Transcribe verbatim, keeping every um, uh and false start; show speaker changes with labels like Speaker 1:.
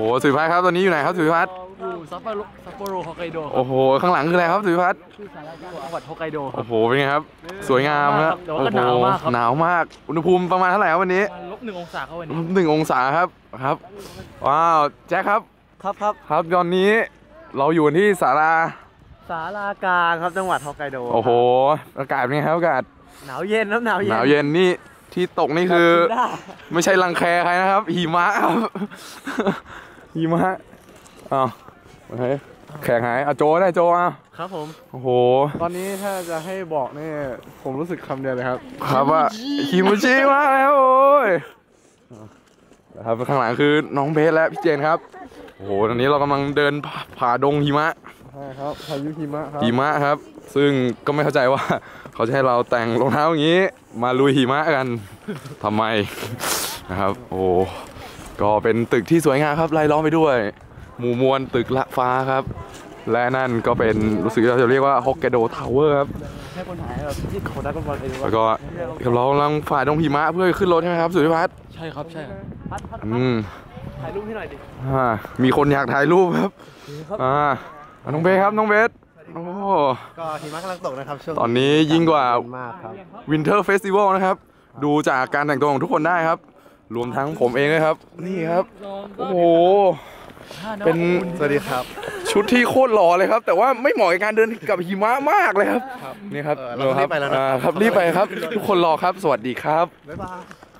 Speaker 1: อ้สุริพัฒน์ครับตอนนี้อยู่ไหนครับสุริพัฒน์
Speaker 2: อยู่ซัปโปโรซัปโปโรฮอกไกโด
Speaker 1: โอ้โหข้างหลังคืออะไรครับสุริพัฒน์
Speaker 2: ชื่อสาราจังหวัดฮอกไกโด
Speaker 1: โอ้โหเป็นไงครับสวยงามครับ
Speaker 2: แต่ว่าก็หนาวมากครับ
Speaker 1: หนาวมากอุณหภูมิประมาณเท่าไหร่ครับวันนี้
Speaker 2: ลบหนึ่งองศาครับวันนี้
Speaker 1: หนึ่งองศาครับครับว้าวแจ็คครับ
Speaker 2: ครับครับ
Speaker 1: ครับตอนนี้เราอยู่ที่ศาลา
Speaker 2: ศาลากลางครับจังหวัดฮอกไกโด
Speaker 1: โอ้โหอากาศเป็นไงครับอากาศ
Speaker 2: หนาวเย็นครับหนาวเย็น
Speaker 1: หนาวเย็นนี่ที่ตกนี่คือไม่ใช่รังแคใครนะครับหิมะครับหิมะอ้าวโอเคแข่งหายอ่ะโจได้โจอ่ะ
Speaker 2: ครับผม
Speaker 1: โอ้โห
Speaker 3: ตอนนี้ถ้าจะให้บอกนี่ผมรู้สึกคำเดียวเลยครับ
Speaker 1: ครับว่าคิมูชิมาแล้วโอ้ยนะครับข้างหลังคือน้องเบสและพี่เจนครับโอ้โหตอนนี้เรากำลังเดินผ่าดงหิมะ
Speaker 3: ใช่ครับพายุหิมะครับ
Speaker 1: หิมะครับซึ่งก็ไม่เข้าใจว่าเขาจะให้เราแต่งรองเท้าอย่างนี้มาลุยหิมะกันทำไมนะครับโอ้ก็เป็นตึกที่สวยงามครับไล่ล้อมไปด้วยหมู่มวลตึกละฟ้าครับและนั่นก็เป็นรู้สึกเราจะเรียกว่าฮอกไกโดทาวเวอร์ครับ
Speaker 2: ให้คนหายแบบที่เขาดักบอลไปดู
Speaker 1: แล้วก็เรากำลังฝ่าดงหิมะเพื่อขึ้นรถใช่ไหมครับสุริพัฒน์
Speaker 2: ใช่ครับใช่ครับพัดพัด
Speaker 1: อืม
Speaker 2: ถ่ายรูปให้หน่อยดิ
Speaker 1: มีคนอยากถ่ายรูปครับอ่าน้องเบสครับน้องเบสโอ้
Speaker 3: ก็หิมะกำลังตกนะครับช่วง
Speaker 1: ตอนนี้ยิ่งกว่าวินเทอร์เฟสติวัลนะครับดูจากการแต่งตัวของทุกคนได้ครับรวมทั้งผมเองด้วยครับนี่ครับโอ้โหเป็น
Speaker 3: สวัสดีครับ
Speaker 1: ชุดที่โคตรหล่อเลยครับแต่ว่าไม่เหมาะกับการเดินกับหิมะมากเลยครับนี่ครับ
Speaker 3: เรารีบไปแล้วนะครับ
Speaker 1: รีบไปครับทุกคนรอครับสวัสดีครับ
Speaker 3: บ๊ายบาย